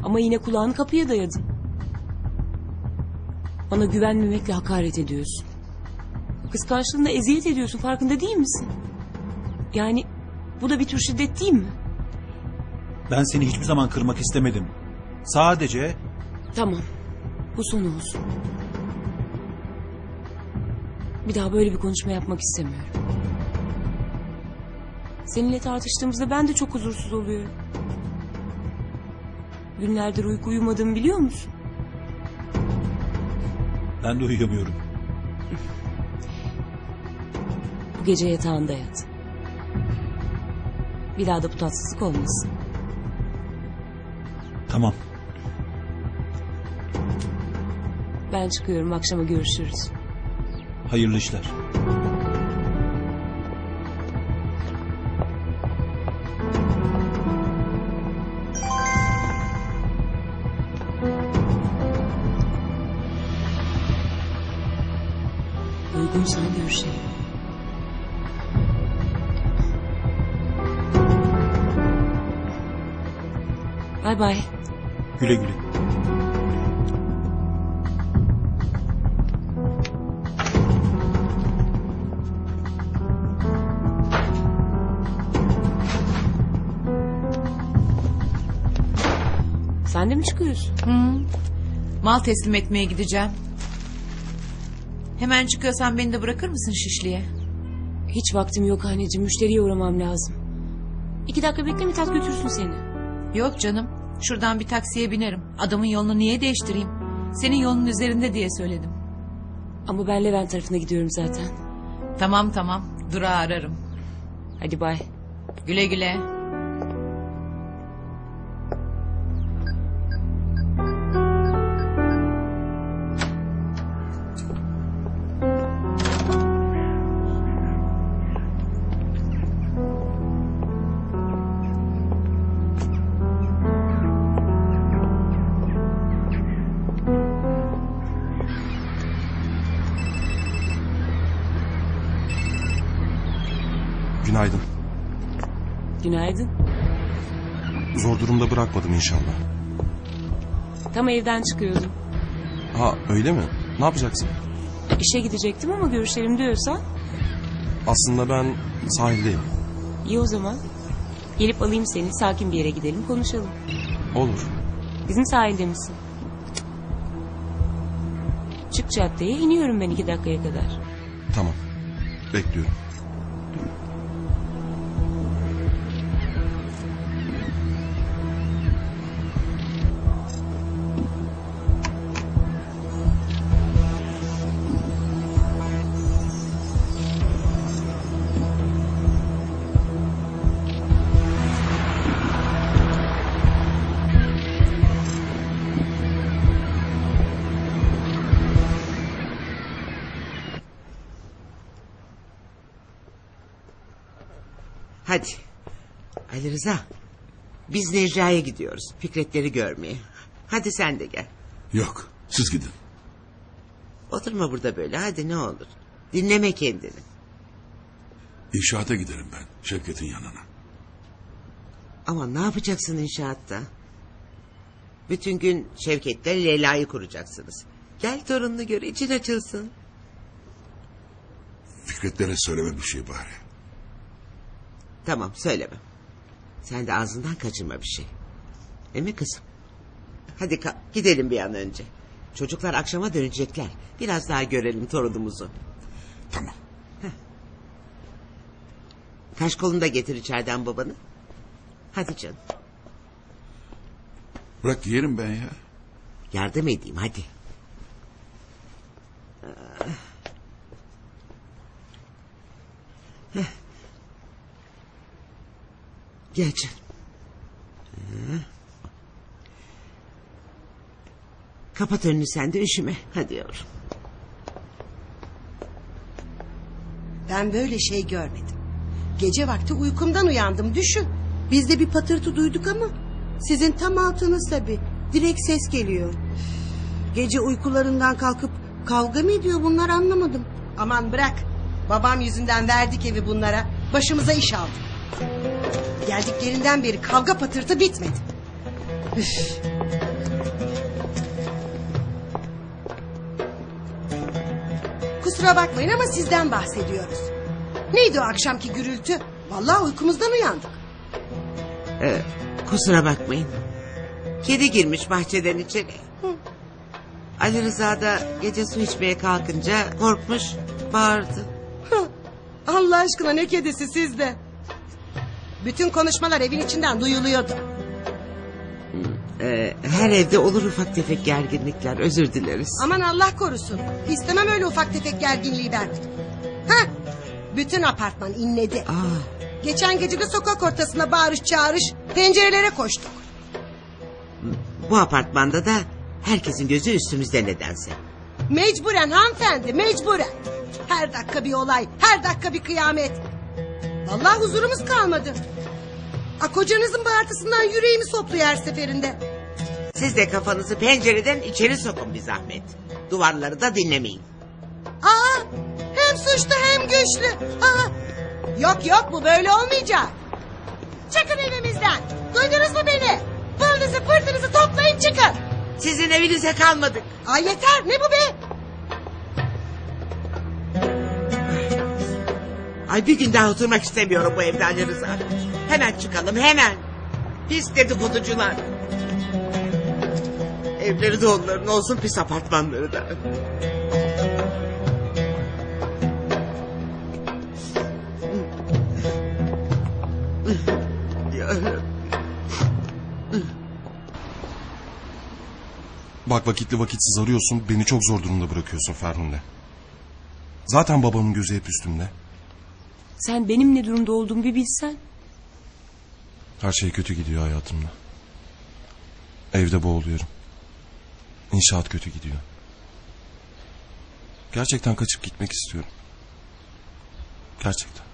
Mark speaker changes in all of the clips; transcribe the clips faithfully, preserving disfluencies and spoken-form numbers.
Speaker 1: Ama yine kulağını kapıya dayadın. Bana güvenmemekle hakaret ediyorsun. Kıskançlığınla eziyet ediyorsun, farkında değil misin? Yani bu da bir tür şiddet değil mi?
Speaker 2: Ben seni hiçbir zaman kırmak istemedim. Sadece...
Speaker 1: Tamam. Bu son olsun. Bir daha böyle bir konuşma yapmak istemiyorum. Seninle tartıştığımızda ben de çok huzursuz oluyorum. Günlerdir uyku uyumadığımı biliyor musun?
Speaker 2: Ben de uyuyamıyorum.
Speaker 1: Bu gece yatağında yat. Bir daha da bu tatsızlık olmasın.
Speaker 2: Tamam.
Speaker 1: Ben çıkıyorum, akşama görüşürüz.
Speaker 2: Hayırlı işler.
Speaker 1: Uygunsan görüşelim. Bay bay.
Speaker 2: Güle güle.
Speaker 1: Sen de mi çıkıyorsun?
Speaker 3: Hı. Mal teslim etmeye gideceğim. Hemen çıkıyorsan beni de bırakır mısın Şişli'ye?
Speaker 1: Hiç vaktim yok anneciğim. Müşteriye uğramam lazım. İki dakika bekle, Mithat götürsün seni.
Speaker 3: Yok canım. Şuradan bir taksiye binerim. Adamın yolunu niye değiştireyim? Senin yolun üzerinde diye söyledim.
Speaker 1: Ama ben Levent tarafına gidiyorum zaten.
Speaker 3: Tamam tamam. Durağı ararım.
Speaker 1: Hadi bay.
Speaker 3: Güle güle.
Speaker 4: Günaydın.
Speaker 1: Günaydın.
Speaker 4: Zor durumda bırakmadım inşallah.
Speaker 1: Tam evden çıkıyordum.
Speaker 4: Ha öyle mi? Ne yapacaksın?
Speaker 1: İşe gidecektim ama görüşelim diyorsan.
Speaker 4: Aslında ben sahildeyim.
Speaker 1: İyi o zaman. Gelip alayım seni, sakin bir yere gidelim, konuşalım.
Speaker 4: Olur.
Speaker 1: Bizim sahilde misin? Çık caddeye, iniyorum ben iki dakikaya kadar.
Speaker 4: Tamam. Bekliyorum.
Speaker 5: Hadi. Ali Rıza. Biz Necla'ya gidiyoruz. Fikretleri görmeye. Hadi sen de gel.
Speaker 6: Yok, siz gidin.
Speaker 5: Oturma burada böyle, hadi ne olur. Dinleme kendini.
Speaker 6: İnşaata giderim ben, Şevket'in yanına.
Speaker 5: Ama ne yapacaksın inşaatta? Bütün gün Şevket'le Leyla'yı kuracaksınız. Gel torununu gör, için açılsın.
Speaker 6: Fikretlere söyleme bir şey bari.
Speaker 5: Tamam, söylemem. Sen de ağzından kaçırma bir şey. Değil mi kızım? Hadi ka- gidelim bir an önce. Çocuklar akşama dönecekler. Biraz daha görelim torunumuzu.
Speaker 6: Tamam.
Speaker 5: Kaş kolunu da getir içeriden babanı. Hadi canım.
Speaker 6: Bırak yerim ben ya.
Speaker 5: Yardım edeyim hadi. Heh. Gel canım. Heh. Kapat önünü sen de, üşüme. Hadi yavrum.
Speaker 7: Ben böyle şey görmedim. Gece vakti uykumdan uyandım, düşün. Biz de bir patırtı duyduk ama sizin tam altınız tabii. Direkt ses geliyor. Gece uykularından kalkıp kavga mı ediyor bunlar, anlamadım. Aman bırak. Babam yüzünden verdik evi bunlara. Başımıza iş aldık. Geldiklerinden beri kavga patırtı bitmedi. Üf. Kusura bakmayın ama sizden bahsediyoruz. Neydi o akşamki gürültü? Vallahi uykumuzdan uyandık.
Speaker 5: Ee, kusura bakmayın. Kedi girmiş bahçeden içeri. Ali Rıza da gece su içmeye kalkınca korkmuş, bağırdı.
Speaker 7: Allah aşkına ne kedisi sizde? Bütün konuşmalar evin içinden duyuluyordu.
Speaker 5: Ee, her evde olur ufak tefek gerginlikler, özür dileriz.
Speaker 7: Aman Allah korusun. İstemem öyle ufak tefek gerginliği ben. Hah! Bütün apartman inledi.
Speaker 5: Aa,
Speaker 7: Geçen gece de sokak ortasında bağırış çağırış, pencerelere koştuk.
Speaker 5: bu apartmanda da herkesin gözü üstümüzde nedense.
Speaker 7: Mecburen hanımefendi, mecburen. Her dakika bir olay, her dakika bir kıyamet. Vallahi huzurumuz kalmadı. A, kocanızın bağırtısından yüreğimi sopluyor her seferinde.
Speaker 5: Siz de kafanızı pencereden içeri sokun bir zahmet. Duvarları da dinlemeyin.
Speaker 7: Aa, hem suçlu hem güçlü. Aa, yok yok bu böyle olmayacak. Çıkın evimizden. Duydunuz mu beni? Pılınızı pırtınızı toplayın çıkın.
Speaker 5: Sizin evinize kalmadık.
Speaker 7: Ay yeter ne bu be?
Speaker 5: Ay bir gün daha oturmak istemiyorum bu evde Ali Rıza. Hemen çıkalım hemen. Pis dedikoducular. Evleri de onların olsun, pis apartmanları da.
Speaker 4: Bak vakitli vakitsiz arıyorsun, beni çok zor durumda bırakıyorsun Ferhunde. Zaten babamın gözü hep üstümde.
Speaker 1: Sen benim ne durumda olduğumu bir bilsen.
Speaker 4: Her şey kötü gidiyor hayatımda. Evde boğuluyorum. İnşaat kötü gidiyor. Gerçekten kaçıp gitmek istiyorum. Gerçekten.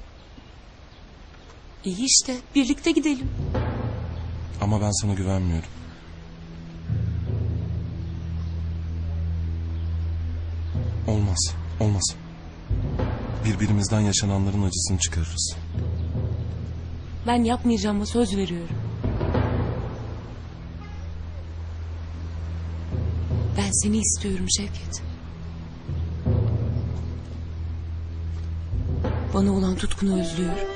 Speaker 1: İyi işte birlikte gidelim.
Speaker 4: Ama ben sana güvenmiyorum. Olmaz, olmaz. Birbirimizden yaşananların acısını çıkarırız.
Speaker 1: Ben yapmayacağıma söz veriyorum. Ben seni istiyorum Şevket. Bana olan tutkunu özlüyorum.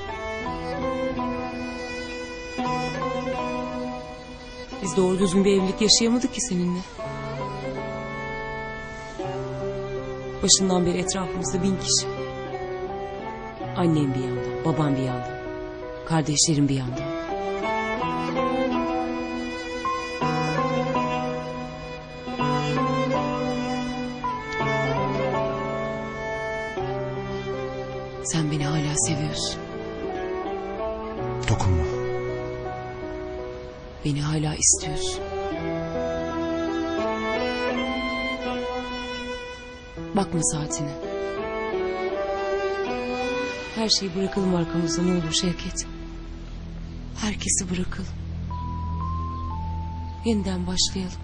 Speaker 1: Biz doğru düzgün bir evlilik yaşayamadık ki seninle. Başından beri etrafımızda bin kişi. Annem bir yandan, babam bir yandan, kardeşlerim bir yandan. Sen beni hala seviyorsun.
Speaker 4: Dokunma.
Speaker 1: Beni hala istiyorsun. Bakma saatine. Her şeyi bırakalım arkamızda ne olur Şevket. Herkesi bırakalım. Yeniden başlayalım.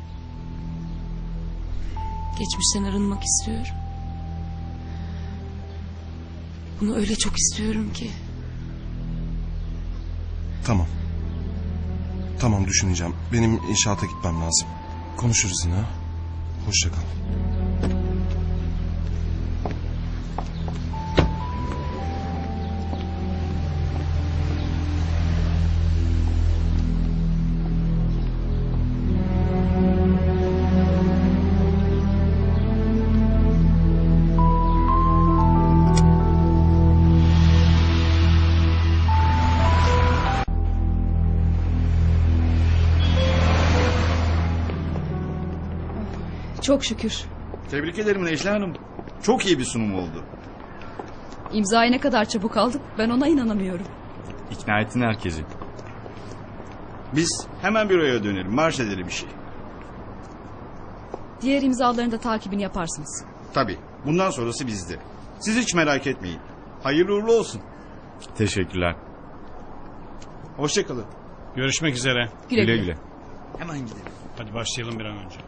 Speaker 1: Geçmişten arınmak istiyorum. Bunu öyle çok istiyorum ki.
Speaker 4: Tamam. Tamam düşüneceğim. Benim inşaata gitmem lazım. Konuşuruz yine. Hoşça kal.
Speaker 8: Çok şükür.
Speaker 9: Tebrik ederim Necla Hanım. Çok iyi bir sunum oldu.
Speaker 8: İmzayı ne kadar çabuk aldık ben ona inanamıyorum.
Speaker 9: İkna ettin herkesi. Biz hemen büroya dönelim. Marş edelim bir şey.
Speaker 8: Diğer imzaların da takibini yaparsınız.
Speaker 9: Tabii. Bundan sonrası bizde. Siz hiç merak etmeyin. Hayırlı uğurlu olsun. Teşekkürler. Hoşçakalın.
Speaker 10: Görüşmek üzere.
Speaker 8: Güle güle. güle.
Speaker 9: Hemen gidelim.
Speaker 10: Hadi başlayalım bir an önce.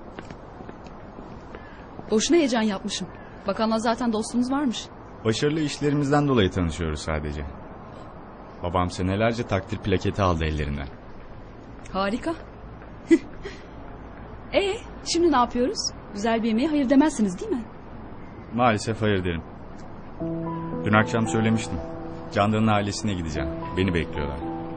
Speaker 8: Boşuna heyecan yapmışım. Bakanla zaten dostluğunuz varmış.
Speaker 11: Başarılı işlerimizden dolayı tanışıyoruz sadece. Babam senelerce takdir plaketi aldı ellerinden.
Speaker 8: Harika. Ee, şimdi ne yapıyoruz? Güzel bir yemeğe hayır demezsiniz değil mi?
Speaker 11: Maalesef hayır derim. Dün akşam söylemiştim. Candan'ın ailesine gideceğim. Beni bekliyorlar.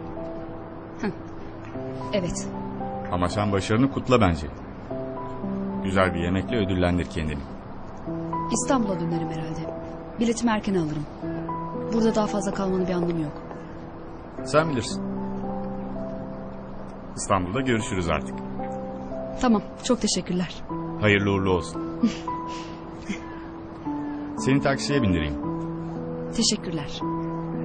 Speaker 8: Evet.
Speaker 11: Ama sen başarını kutla bence. Güzel bir yemekle ödüllendir kendini.
Speaker 8: İstanbul'a dönerim herhalde. Biletimi erken alırım. Burada daha fazla kalmanın bir anlamı yok.
Speaker 11: Sen bilirsin. İstanbul'da görüşürüz artık.
Speaker 8: Tamam, çok teşekkürler.
Speaker 11: Hayırlı uğurlu olsun. Seni taksiye bindireyim.
Speaker 8: Teşekkürler.